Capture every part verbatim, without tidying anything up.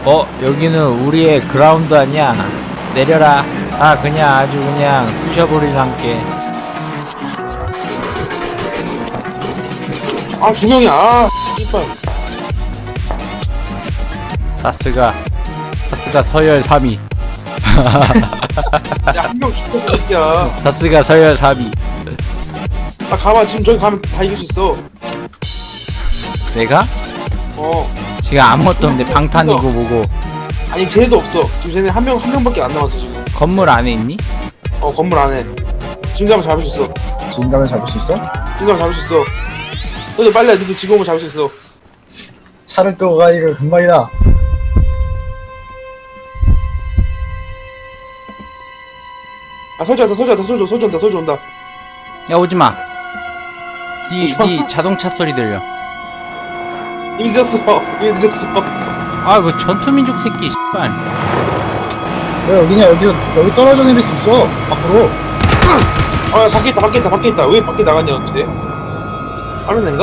어, 여기는 우리의 그라운드 아니야. 내려라. 아, 그냥 아주 그냥 부셔버리란게. 아, 두 명이야. 아, 씨발. 사스가 사스가 서열 삼 위. 야, 한 명 죽었어, 새끼야. 사스가 서열 삼 위. 아, 가봐. 지금 저기 가면 다 이길 수 있어. 내가? 어. 지금 아무것도 없는데 방탄이고 뭐고. 아니, 쟤네도 없어. 지금 쟤네 한 명, 한 명밖에 안 남았어, 지금. 건물 안에 있니? 어, 건물 안에. 지금 가면 잡을 수 있어. 지금 가면 잡을 수 있어? 지금 가면 잡을 수 있어. 너도 빨리 해. 너도 지금 오면 잡을 수 있어. 차를 끄고 가니까 금방이다. 아, 서지 왔어, 서지 왔다, 서지 온다, 서지 온다, 서지 온다. 야, 오지마. 니, 니 자동차 소리 들려. 이미 늦었어. 이미 늦었어. 아, 뭐 전투민족 새끼 씨발. 왜 여기냐? 여기서 여기 떨어져 내릴 수 있어. 앞으로. 아, 야, 밖에 있다, 밖에 있다, 밖에 있다. 왜 밖에 나갔냐, 쟤? 다른 애인가?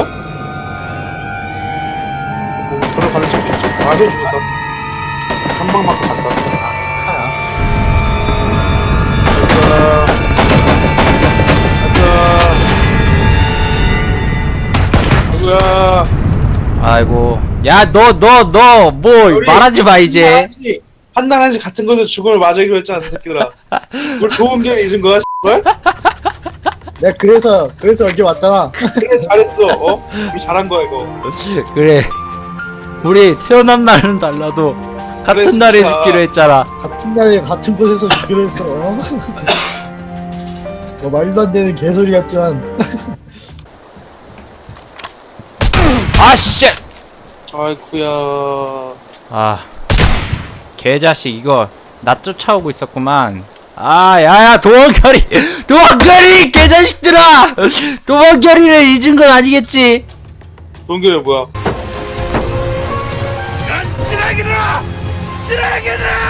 뭐, 그런 가능성도 있지. 아, 쟤 죽었다. 한방 맞고 간다. 아, 스카야. 가자. 가자. 누구야? 아이고. 야, 너, 너, 너, 뭐, 말하지 마, 이제. 한나한씩 같은 거에서 죽음을 맞아기로 했잖아, 이 새끼들아. 뭘 좋은 기회를 잊은 거야, 씨발? 내가 그래서 그래서 여기 왔잖아. 그래, 잘했어, 어? 우리 잘한 거야, 이거. 그래. 우리 태어난 날은 달라도 같은 그래, 날에 진짜. 죽기로 했잖아. 같은 날에 같은 곳에서 죽기로 했어. 뭐 말도 안 되는 개소리 같지만. 아, 씨! 아이쿠야. 아. 개자식, 이거, 나 쫓아오고 있었구만. 아, 야야, 도원결이! 도원결이! 개자식들아! 도원결이를 잊은 건 아니겠지? 동결이 뭐야? 쓰레기들아! 쓰레기들아!